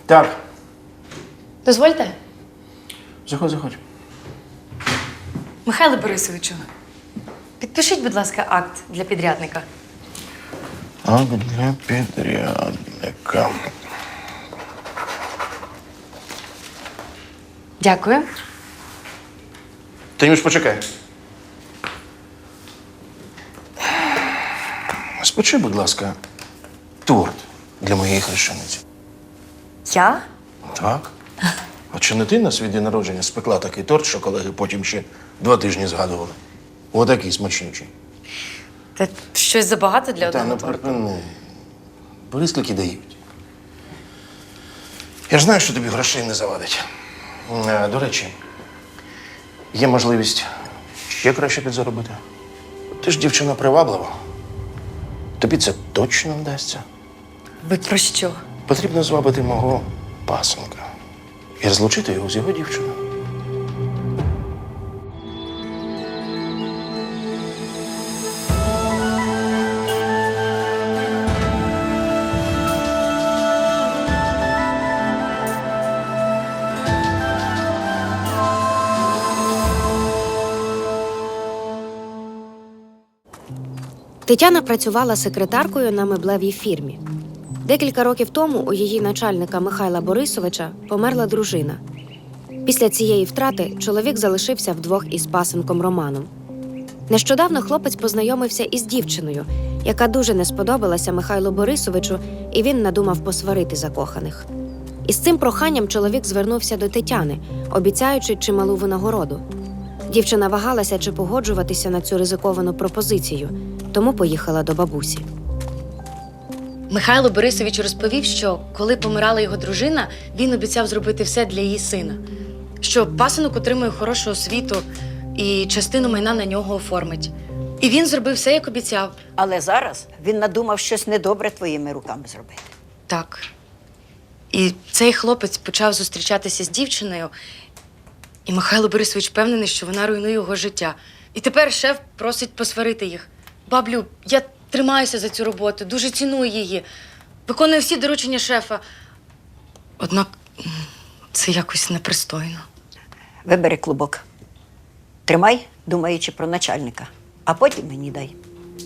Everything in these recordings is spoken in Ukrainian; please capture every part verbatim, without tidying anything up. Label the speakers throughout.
Speaker 1: Так.
Speaker 2: Дозвольте?
Speaker 1: Заходь, заходь.
Speaker 2: Михайло Борисовичу, підпишіть, будь ласка, акт для підрядника.
Speaker 1: Акт для підрядника.
Speaker 2: Дякую.
Speaker 1: Танюш, почекай. Спечи, будь ласка, торт для моєї хрещениці.
Speaker 2: Я?
Speaker 1: Так. А чи не ти на свій день народження спекла такий торт, що колеги потім ще два тижні згадували? Отакий смачнючий.
Speaker 2: Та щось забагато для
Speaker 1: Та
Speaker 2: одного
Speaker 1: ну
Speaker 2: торту.
Speaker 1: припини. Бери, скільки дають. Я ж знаю, що тобі грошей не завадить. Е, До речі, є можливість ще краще підзаробити. Ти ж дівчина приваблива. Тобі це точно вдасться.
Speaker 2: Ви про що?
Speaker 1: Потрібно звабити мого пасенка і розлучити його з його дівчиною.
Speaker 3: Тетяна працювала секретаркою на меблевій фірмі. Декілька років тому у її начальника Михайла Борисовича померла дружина. Після цієї втрати чоловік залишився вдвох із пасенком Романом. Нещодавно хлопець познайомився із дівчиною, яка дуже не сподобалася Михайлу Борисовичу, і він надумав посварити закоханих. Із цим проханням чоловік звернувся до Тетяни, обіцяючи чималу винагороду. Дівчина вагалася, чи погоджуватися на цю ризиковану пропозицію, тому поїхала до бабусі.
Speaker 2: Михайло Борисович розповів, що коли помирала його дружина, він обіцяв зробити все для її сина. Що пасенок отримує хорошу освіту і частину майна на нього оформить. І він зробив все, як обіцяв.
Speaker 4: Але зараз він надумав щось недобре твоїми руками зробити.
Speaker 2: Так. І цей хлопець почав зустрічатися з дівчиною, і Михайло Борисович впевнений, що вона руйнує його життя. І тепер шеф просить посварити їх. Баблю, я тримаюся за цю роботу, дуже ціную її, виконую всі доручення шефа. Однак це якось непристойно.
Speaker 4: Вибери клубок. Тримай, думаючи про начальника, а потім мені дай.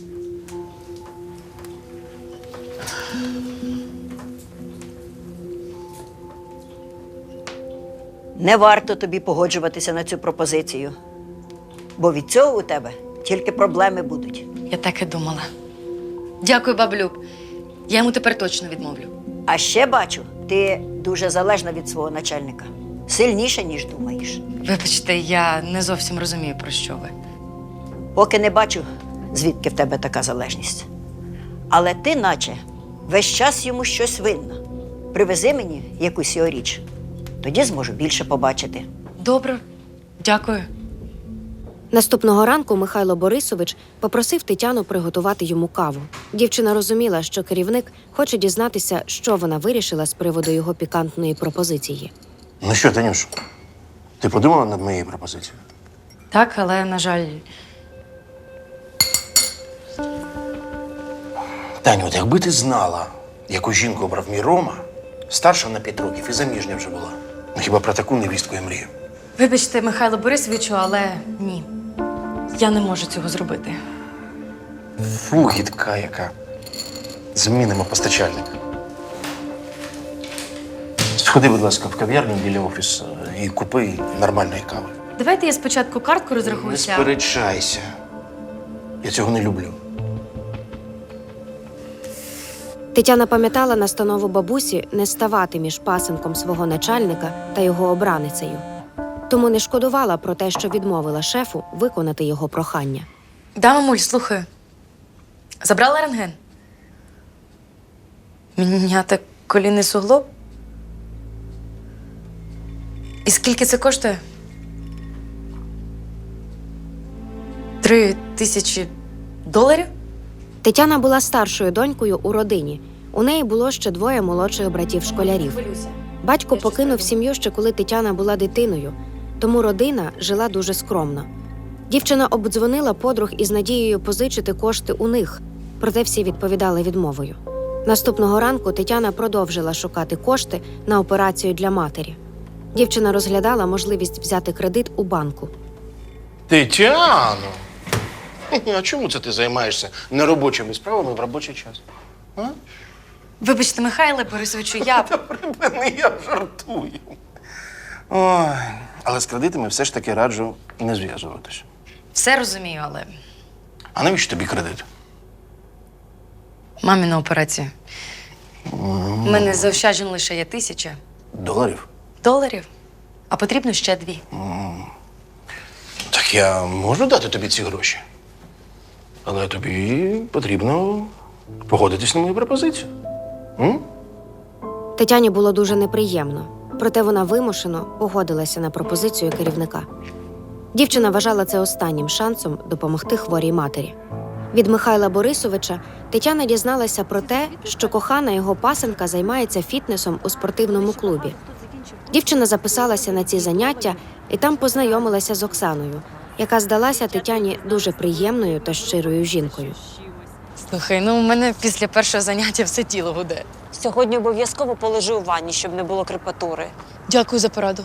Speaker 4: Не варто тобі погоджуватися на цю пропозицію, бо від цього у тебе тільки проблеми будуть.
Speaker 2: Я так і думала. Дякую, баблю. Я йому тепер точно відмовлю.
Speaker 4: А ще бачу, ти дуже залежна від свого начальника. Сильніше, ніж думаєш.
Speaker 2: Вибачте, я не зовсім розумію, про що ви.
Speaker 4: Поки не бачу, звідки в тебе така залежність. Але ти, наче, весь час йому щось винна. Привези мені якусь його річ. Тоді зможу більше побачити.
Speaker 2: Добре, дякую.
Speaker 3: Наступного ранку Михайло Борисович попросив Тетяну приготувати йому каву. Дівчина розуміла, що керівник хоче дізнатися, що вона вирішила з приводу його пікантної пропозиції.
Speaker 1: Ну що, Танюш, ти подумала над моєю пропозицією?
Speaker 2: Так, але, на жаль,
Speaker 1: Таню, от якби ти знала, яку жінку обрав мій Рома, старша на п'ять років і заміжня вже була. Ну хіба про таку невістку я мрію?
Speaker 2: вибачте, Михайло Борисовичу, але ні. Я не можу цього зробити.
Speaker 1: Фу, гідка яка. Змінимо постачальника. Сходи, будь ласка, в кав'ярню біля офісу і купи нормальної кави.
Speaker 2: Давайте я спочатку картку
Speaker 1: Не
Speaker 2: розрахуюся.
Speaker 1: сперечайся. Я цього не люблю.
Speaker 3: Тетяна пам'ятала настанову бабусі не ставати між пасенком свого начальника та його обраницею. Тому не шкодувала про те, що відмовила шефу виконати його прохання.
Speaker 2: Да, мамуль, слухаю. Забрала рентген? Міняти колінний суглоб? І скільки це коштує? Три тисячі доларів?
Speaker 3: Тетяна була старшою донькою у родині. У неї було ще двоє молодших братів-школярів. Батько покинув сім'ю ще коли Тетяна була дитиною, тому родина жила дуже скромно. Дівчина обдзвонила подруг із надією позичити кошти у них, проте всі відповідали відмовою. Наступного ранку Тетяна продовжила шукати кошти на операцію для матері. Дівчина розглядала можливість взяти кредит у банку.
Speaker 1: Тетяно! А чому це ти займаєшся неробочими справами в робочий час? А?
Speaker 2: Вибачте, Михайле Борисовичу, я.
Speaker 1: Та припини, я жартую. Ой, але з кредитами все ж таки раджу не зв'язуватись.
Speaker 2: Все розумію, але
Speaker 1: А навіщо тобі кредит?
Speaker 2: мамі на операцію. У мене заощаджень лише є тисяча
Speaker 1: Доларів?
Speaker 2: доларів, а потрібно ще дві.
Speaker 1: Так я можу дати тобі ці гроші. Але тобі потрібно погодитись на мою пропозицію. М?
Speaker 3: Тетяні було дуже неприємно, проте вона вимушено погодилася на пропозицію керівника. Дівчина вважала це останнім шансом допомогти хворій матері. Від Михайла Борисовича Тетяна дізналася про те, що кохана його пасенка займається фітнесом у спортивному клубі. Дівчина записалася на ці заняття і там познайомилася з Оксаною, яка здалася Тетяні дуже приємною та щирою жінкою.
Speaker 2: Слухай, ну у мене після першого заняття все тіло гуде.
Speaker 5: Сьогодні обов'язково полежу у ванні, щоб не було крепатури.
Speaker 2: Дякую за пораду.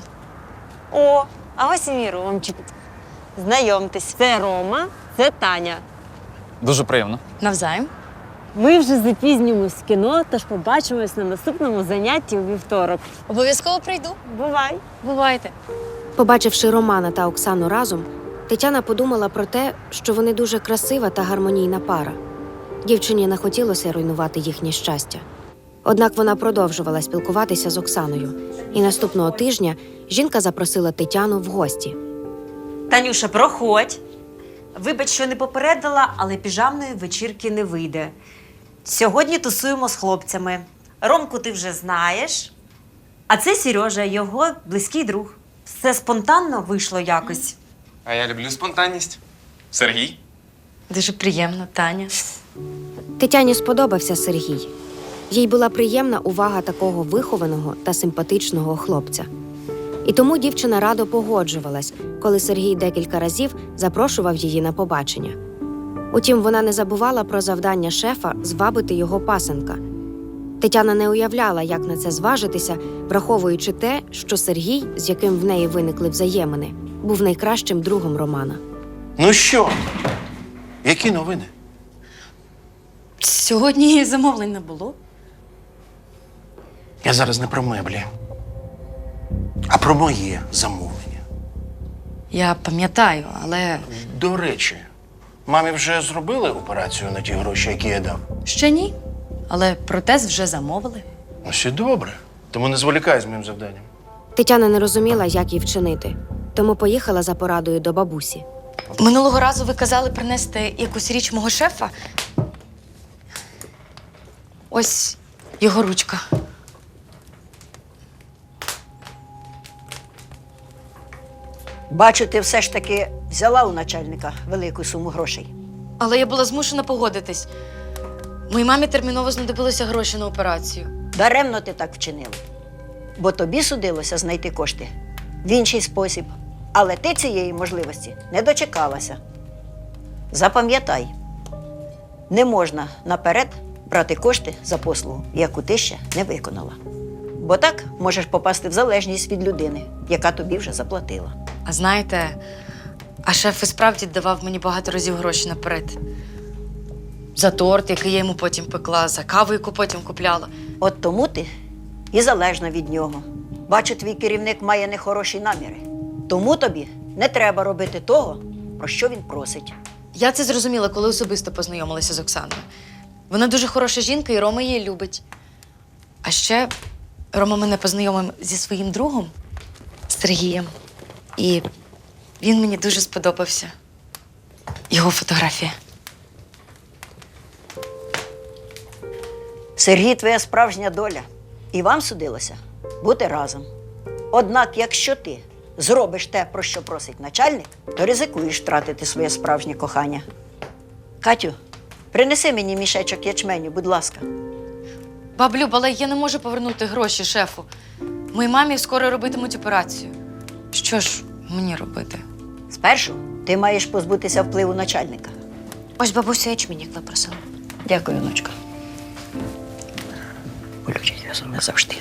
Speaker 5: О, а ось і мій Ромчик. Знайомтесь, це Рома, це Таня.
Speaker 6: Дуже приємно.
Speaker 2: Навзаєм.
Speaker 5: Ми вже запізнюємось в кіно, тож побачимось на наступному занятті у вівторок.
Speaker 2: Обов'язково прийду.
Speaker 5: Бувай!
Speaker 2: Бувайте.
Speaker 3: Побачивши Романа та Оксану разом, Тетяна подумала про те, що вони дуже красива та гармонійна пара. Дівчині не хотілося руйнувати їхнє щастя. Однак вона продовжувала спілкуватися з Оксаною, і наступного тижня жінка запросила Тетяну в гості.
Speaker 7: Танюша, проходь. Вибач, що не попередила, але піжамної вечірки не вийде. Сьогодні тусуємо з хлопцями. Ромку ти вже знаєш. А це Сережа, його близький друг. Все спонтанно вийшло якось.
Speaker 6: А я люблю спонтанність. Сергій?
Speaker 2: Дуже приємно, Таня.
Speaker 3: Тетяні сподобався Сергій. Їй була приємна увага такого вихованого та симпатичного хлопця. І тому дівчина радо погоджувалась, коли Сергій декілька разів запрошував її на побачення. Утім, вона не забувала про завдання шефа звабити його пасенка. Тетяна не уявляла, як на це зважитися, враховуючи те, що Сергій, з яким в неї виникли взаємини, був найкращим другом Романа.
Speaker 1: Ну що? Які новини?
Speaker 2: Сьогодні замовлень не було.
Speaker 1: Я зараз не про меблі, а про моє замовлення.
Speaker 2: Я пам'ятаю, але
Speaker 1: До речі, мамі вже зробили операцію на ті гроші, які я дав?
Speaker 2: ще ні. Але протез вже замовили.
Speaker 1: Ну, все добре. Тому не зволікай з моїм завданням.
Speaker 3: Тетяна не розуміла, як їй вчинити, тому поїхала за порадою до бабусі.
Speaker 2: Минулого разу ви казали принести якусь річ мого шефа. Ось його ручка.
Speaker 4: Бачу, ти все ж таки взяла у начальника велику суму грошей.
Speaker 2: Але я була змушена погодитись. Моїй мамі терміново знадобилися гроші на операцію.
Speaker 4: Даремно ти так вчинила. Бо тобі судилося знайти кошти в інший спосіб. Але ти цієї можливості не дочекалася. Запам'ятай, не можна наперед брати кошти за послугу, яку ти ще не виконала. Бо так можеш попасти в залежність від людини, яка тобі вже заплатила.
Speaker 2: А знаєте, а шеф і справді давав мені багато разів гроші наперед. За торт, який я йому потім пекла, за каву, яку потім купляла.
Speaker 4: От тому ти і залежна від нього. Бачу, твій керівник має нехороші наміри. Тому тобі не треба робити того, про що він просить.
Speaker 2: Я це зрозуміла, коли особисто познайомилася з Оксаною. Вона дуже хороша жінка, і Рома її любить. А ще Рома мене познайомив зі своїм другом Сергієм. І він мені дуже сподобався. Його фотографія.
Speaker 4: Сергій – твоя справжня доля. І вам судилося бути разом. Однак, якщо ти зробиш те, про що просить начальник, то ризикуєш втратити своє справжнє кохання. Катю, принеси мені мішечок ячменю, будь ласка.
Speaker 2: Баб Люб, але я не можу повернути гроші шефу. Моїй мамі скоро робитимуть операцію. Що ж мені робити?
Speaker 4: Спершу ти маєш позбутися впливу начальника.
Speaker 3: Ось бабуся ячмінь, як ви просила.
Speaker 4: Дякую, онучка. болючий зв'язок не завжди.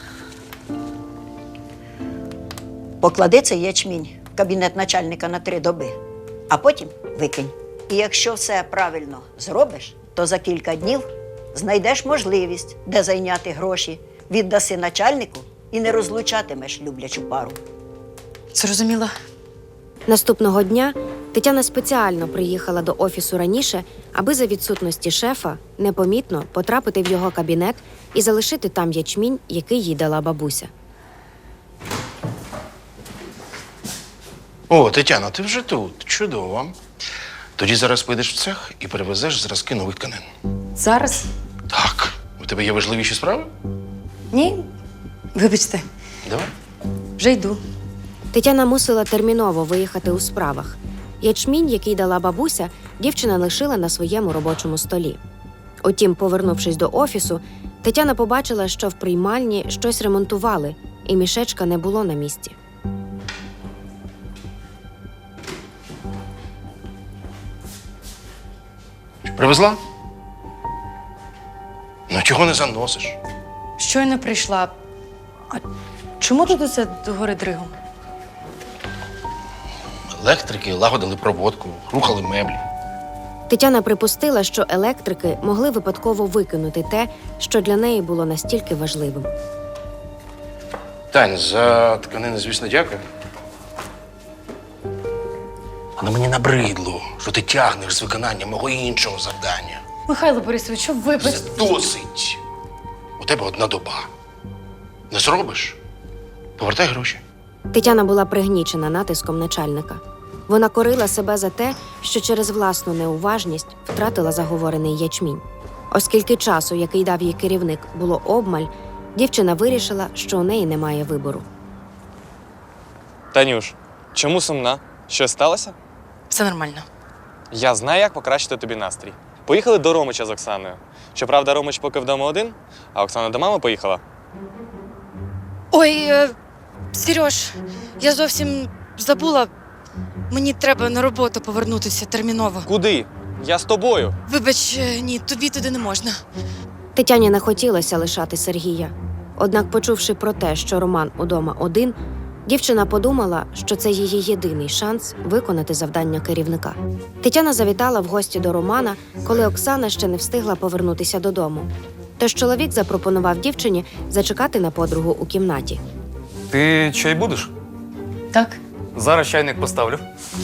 Speaker 4: Поклади цей ячмінь в кабінет начальника на три доби, а потім викинь. І якщо все правильно зробиш, то за кілька днів знайдеш можливість, де зайняти гроші, віддаси начальнику і не розлучатимеш люблячу пару.
Speaker 2: Зрозуміла.
Speaker 3: Наступного дня Тетяна спеціально приїхала до офісу раніше, аби за відсутності шефа непомітно потрапити в його кабінет і залишити там ячмінь, який їй дала бабуся.
Speaker 1: О, Тетяна, ти вже тут. Чудово. Тоді зараз підеш в цех і перевезеш зразки нових тканин.
Speaker 2: Зараз?
Speaker 1: Так. У тебе є важливіші справи?
Speaker 2: Ні. Вибачте,
Speaker 1: Давай.
Speaker 2: вже йду.
Speaker 3: Тетяна мусила терміново виїхати у справах. Ячмінь, який дала бабуся, дівчина лишила на своєму робочому столі. Утім, повернувшись до офісу, Тетяна побачила, що в приймальні щось ремонтували, і мішечка не було на місці.
Speaker 1: Привезла? Ну, чого не заносиш?
Speaker 2: Щойно прийшла. А чому тут усе догори дригом?
Speaker 1: Електрики лагодили проводку, рухали меблі.
Speaker 3: Тетяна припустила, що електрики могли випадково викинути те, що для неї було настільки важливим.
Speaker 1: Тань, за тканини, звісно, дякую. Але мені набридло, що ти тягнеш з виконання мого іншого завдання.
Speaker 2: Михайло Борисович, вибач.
Speaker 1: Це досить. У тебе одна доба. Не зробиш? Повертай гроші.
Speaker 3: Тетяна була пригнічена натиском начальника. Вона корила себе за те, що через власну неуважність втратила заговорений ячмінь. Оскільки часу, який дав їй керівник, було обмаль, дівчина вирішила, що у неї немає вибору.
Speaker 8: Танюш, чому сумна? Щось сталося?
Speaker 2: Все нормально.
Speaker 8: Я знаю, як покращити тобі настрій. Поїхали до Ромича з Оксаною. Щоправда, Ромич поки вдома один, а Оксана до мами поїхала.
Speaker 2: Ой, е, Сереж, я зовсім забула. Мені треба на роботу повернутися терміново.
Speaker 8: Куди? Я з тобою.
Speaker 2: Вибач, е, ні, тобі туди не можна.
Speaker 3: Тетяні не хотілося лишати Сергія. Однак, почувши про те, що Роман удома один, дівчина подумала, що це її єдиний шанс виконати завдання керівника. Тетяна завітала в гості до Романа, коли Оксана ще не встигла повернутися додому. Тож чоловік запропонував дівчині зачекати на подругу у кімнаті.
Speaker 6: Ти чай будеш?
Speaker 2: Так?
Speaker 6: Зараз чайник поставлю.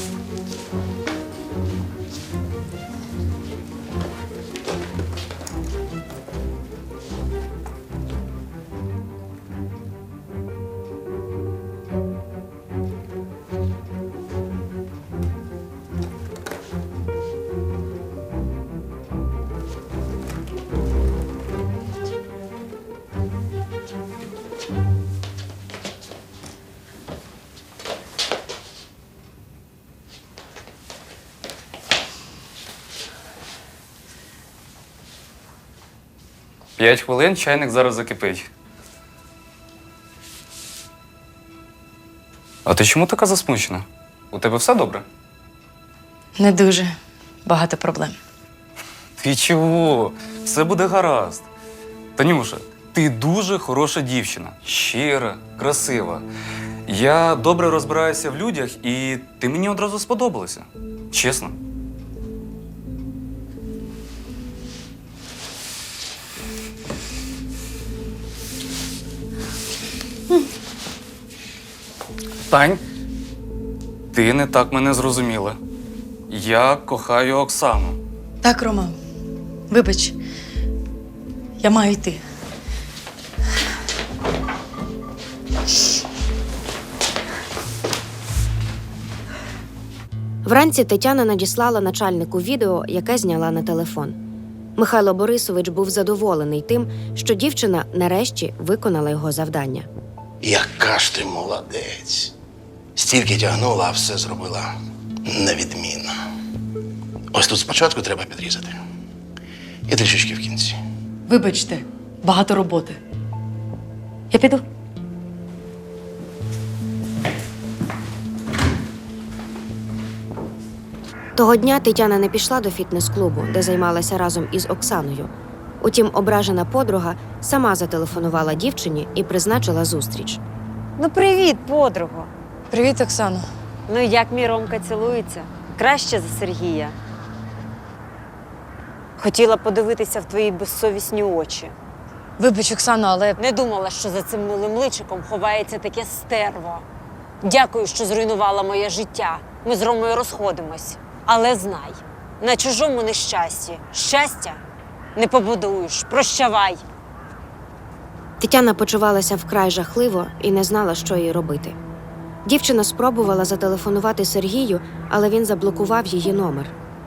Speaker 6: П'ять хвилин, чайник зараз закипить. А ти чому така засмучена? У тебе все добре?
Speaker 2: Не дуже. Багато проблем.
Speaker 6: Ти чого? Все буде гаразд. Танюша, ти дуже хороша дівчина. Щира, красива. Я добре розбираюся в людях, і ти мені одразу сподобалася. Чесно. Тань, ти не так мене зрозуміла. Я кохаю Оксану.
Speaker 2: Так, Рома, вибач. Я маю йти.
Speaker 3: Вранці Тетяна надіслала начальнику відео, яке зняла на телефон. Михайло Борисович був задоволений тим, що дівчина нарешті виконала його завдання.
Speaker 1: Яка ж ти молодець. Стільки тягнула, а все зробила невідмінно. Ось тут спочатку треба підрізати. І трішечки в кінці.
Speaker 2: Вибачте, багато роботи. Я піду.
Speaker 3: Того дня Тетяна не пішла до фітнес-клубу, де займалася разом із Оксаною. Утім, ображена подруга сама зателефонувала дівчині і призначила зустріч.
Speaker 5: Ну, привіт, подруго.
Speaker 2: Привіт, Оксано.
Speaker 5: Ну, як мій Ромка цілується? Краще за Сергія. Хотіла подивитися в твої безсовісні очі.
Speaker 2: Вибач, Оксано, але
Speaker 5: Не думала, що за цим милим личиком ховається таке стерво. Дякую, що зруйнувала моє життя. Ми з Ромою розходимось. Але знай, на чужому нещасті щастя не побудуєш. Прощавай.
Speaker 3: Тетяна почувалася вкрай жахливо і не знала, що їй робити. Дівчина спробувала зателефонувати Сергію, але він заблокував її номер.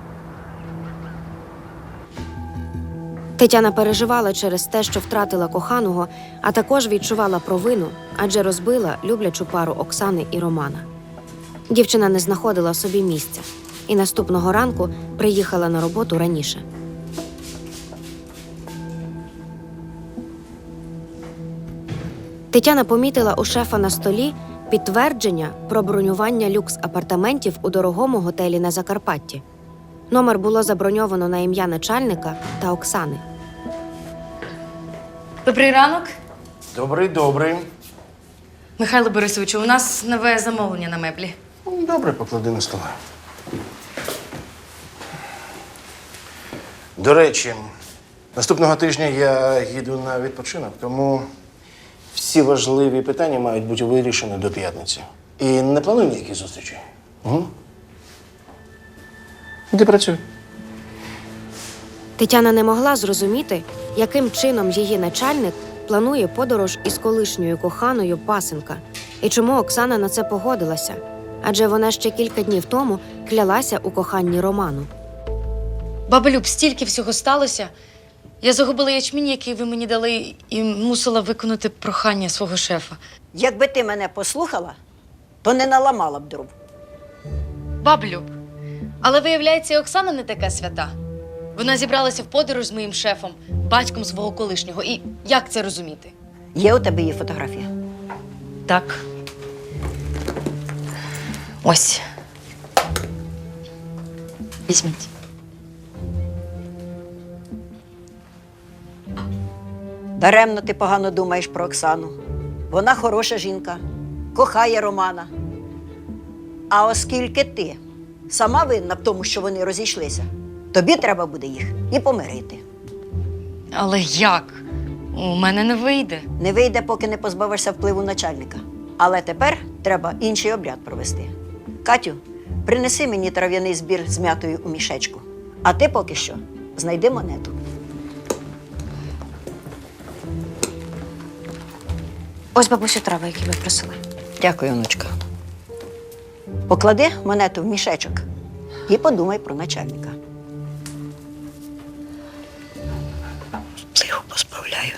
Speaker 3: Тетяна переживала через те, що втратила коханого, а також відчувала провину, адже розбила люблячу пару Оксани і Романа. Дівчина не знаходила собі місця і наступного ранку приїхала на роботу раніше. Тетяна помітила у шефа на столі підтвердження про бронювання люкс-апартаментів у дорогому готелі на Закарпатті. Номер було заброньовано на ім'я начальника та Оксани.
Speaker 2: добрий ранок.
Speaker 1: Добрий, добрий.
Speaker 2: Михайло Борисовичу, у нас нове замовлення на меблі.
Speaker 1: Добре, поклади на стола. До речі, наступного тижня я їду на відпочинок, тому всі важливі питання мають бути вирішені до п'ятниці. І не планую ніяких зустрічей. Угу. Іди працюй.
Speaker 3: Тетяна не могла зрозуміти, яким чином її начальник планує подорож із колишньою коханою пасенка, і чому Оксана на це погодилася, адже вона ще кілька днів тому клялася у коханні Роману.
Speaker 2: Баба Люб, стільки всього сталося. Я загубила ячмінь, який ви мені дали, і мусила виконати прохання свого шефа.
Speaker 4: Якби ти мене послухала, то не наламала б дров.
Speaker 2: Баба Люб, але виявляється, і Оксана не така свята. Вона зібралася в подорож з моїм шефом, батьком свого колишнього. І як це розуміти?
Speaker 4: Є у тебе її фотографія?
Speaker 2: Так. Ось. Візьміть.
Speaker 4: Даремно ти погано думаєш про Оксану. Вона хороша жінка, кохає Романа. А оскільки ти сама винна в тому, що вони розійшлися, тобі треба буде їх і помирити.
Speaker 2: Але як? У мене не вийде.
Speaker 4: Не вийде, поки не позбавишся впливу начальника. Але тепер треба інший обряд провести. Катю, принеси мені трав'яний збір з м'ятою у мішечку. А ти поки що знайди монету.
Speaker 3: Ось, бабусю, трави, які ви просили.
Speaker 4: Дякую, онучка. Поклади монету в мішечок і подумай про начальника. Плиху позбавляю.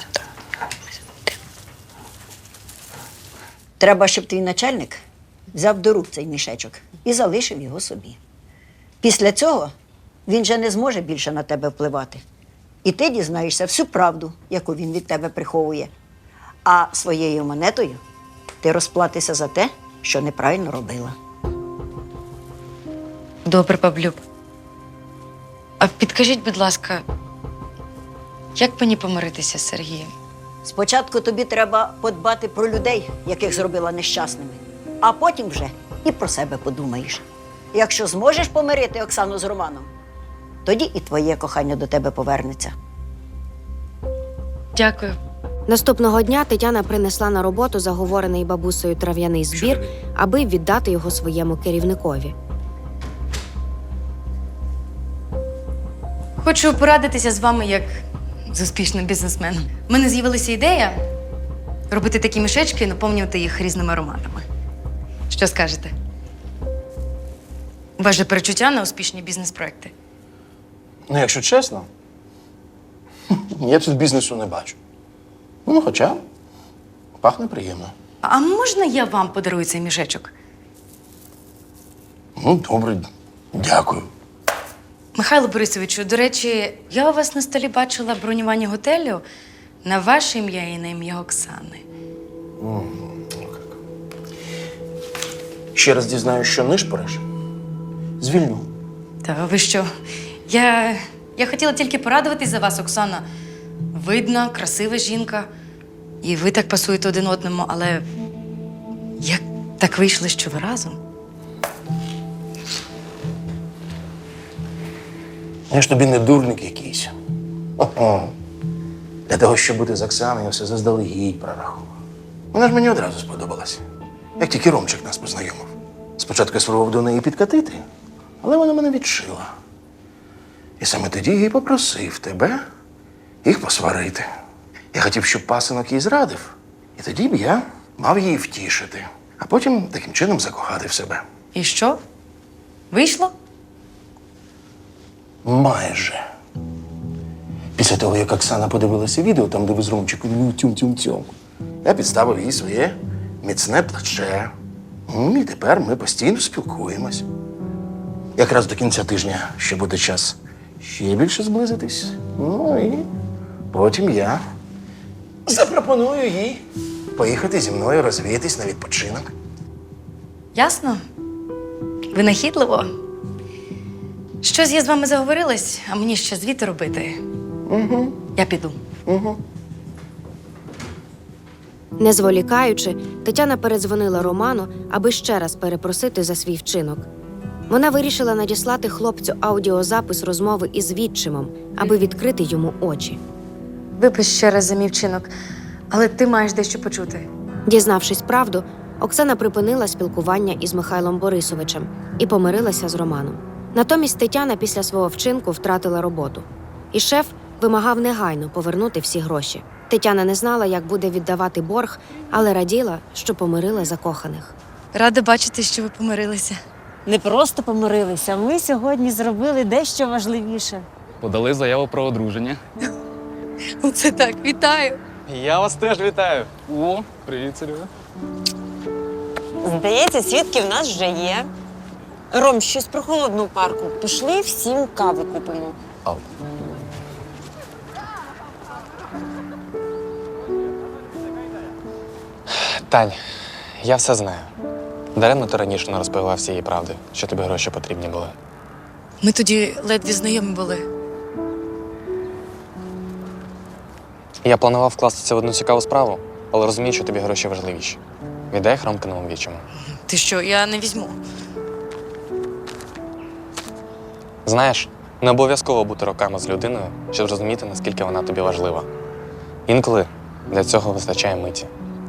Speaker 4: Треба, щоб твій начальник взяв до рук цей мішечок і залишив його собі. Після цього він же не зможе більше на тебе впливати. І ти дізнаєшся всю правду, яку він від тебе приховує. А своєю монетою ти розплатишся за те, що неправильно робила.
Speaker 2: Добре, баблюб. А підкажіть, будь ласка, як мені помиритися з Сергієм?
Speaker 4: Спочатку тобі треба подбати про людей, яких зробила нещасними, а потім вже і про себе подумаєш. Якщо зможеш помирити Оксану з Романом, тоді і твоє кохання до тебе повернеться.
Speaker 2: Дякую.
Speaker 3: Наступного дня Тетяна принесла на роботу заговорений бабусею трав'яний збір, аби віддати його своєму керівникові.
Speaker 2: Хочу порадитися з вами як з успішним бізнесменом. У мене з'явилася ідея робити такі мішечки і наповнювати їх різними ароматами. Що скажете? У вас же перечуття на успішні бізнес-проекти.
Speaker 1: Ну, якщо чесно, я тут бізнесу не бачу. Ну, хоча пахне приємно.
Speaker 2: А можна я вам подарую цей мішечок?
Speaker 1: Ну, добре, дякую.
Speaker 2: Михайло Борисовичу, до речі, я у вас на столі бачила бронювання готелю на ваше ім'я і на ім'я Оксани.
Speaker 1: Ще раз дізнаюсь, що нишпориш, звільню.
Speaker 2: Та ви що? Я, я хотіла тільки порадуватись за вас, Оксана. видна, красива жінка. І ви так пасуєте один одному, але як так вийшло, що ви разом?
Speaker 1: Я ж тобі не дурник якийсь. Ого. Для того, щоб бути з Оксаною, я все заздалегідь прорахував. Вона ж мені одразу сподобалась. Як тільки Ромчик нас познайомив. Спочатку я спробував до неї підкатити, але вона мене відшила. І саме тоді я й попросив тебе їх посварити. Я хотів, щоб пасинок її зрадив, і тоді б я мав її втішити, а потім таким чином закохати в себе.
Speaker 2: І що? Вийшло?
Speaker 1: Майже. Після того, як Оксана подивилася відео, там, де ви з Ромчиком ну, тюм-тюм-тюм, я підставив їй своє міцне плече. Ну, і тепер ми постійно спілкуємось. Якраз до кінця тижня ще буде час ще більше зблизитись. Ну і потім я запропоную їй поїхати зі мною розвіятись на відпочинок.
Speaker 2: Ясно? Винахідливо. Щось я з вами заговорилась, а мені ще звіти робити.
Speaker 1: Угу.
Speaker 2: Я піду.
Speaker 1: Угу.
Speaker 3: Не зволікаючи, Тетяна передзвонила Роману, аби ще раз перепросити за свій вчинок. Вона вирішила надіслати хлопцю аудіозапис розмови із відчимом, аби відкрити йому очі.
Speaker 2: Вибач ще раз за мій вчинок, але ти маєш дещо почути.
Speaker 3: Дізнавшись правду, Оксана припинила спілкування із Михайлом Борисовичем і помирилася з Романом. Натомість Тетяна після свого вчинку втратила роботу. І шеф вимагав негайно повернути всі гроші. Тетяна не знала, як буде віддавати борг, але раділа, що помирила закоханих.
Speaker 2: Рада бачити, що ви помирилися.
Speaker 5: Не просто помирилися, ми сьогодні зробили дещо важливіше.
Speaker 6: Подали заяву про одруження.
Speaker 2: Оце так, вітаю.
Speaker 8: Я вас теж вітаю.
Speaker 6: О, привіт, Серега.
Speaker 5: Здається, свідки в нас вже є. Ром, щось про холодну парку. Пішли всім кави купимо.
Speaker 6: Ау.
Speaker 8: Тань, я все знаю. Даремно ти раніше не розповіла всієї правди, що тобі гроші потрібні були.
Speaker 2: Ми тоді ледве знайомі були.
Speaker 8: Я планував вкластися в одну цікаву справу, але розумію, що тобі гроші важливіші. Віддай їх Ромкиному вічому.
Speaker 2: Ти що, я не візьму.
Speaker 8: Знаєш, не обов'язково бути роками з людиною, щоб зрозуміти, наскільки вона тобі важлива. Інколи для цього вистачає миті.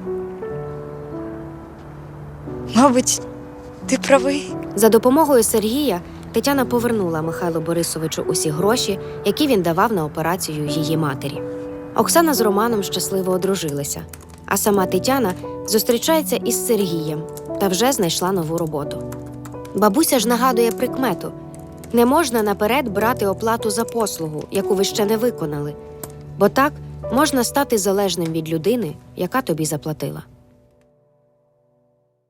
Speaker 2: Мабуть, ти правий.
Speaker 3: За допомогою Сергія Тетяна повернула Михайлу Борисовичу усі гроші, які він давав на операцію її матері. Оксана з Романом щасливо одружилися, а сама Тетяна зустрічається із Сергієм та вже знайшла нову роботу. Бабуся ж нагадує прикмету: не можна наперед брати оплату за послугу, яку ви ще не виконали, бо так можна стати залежним від людини, яка тобі заплатила.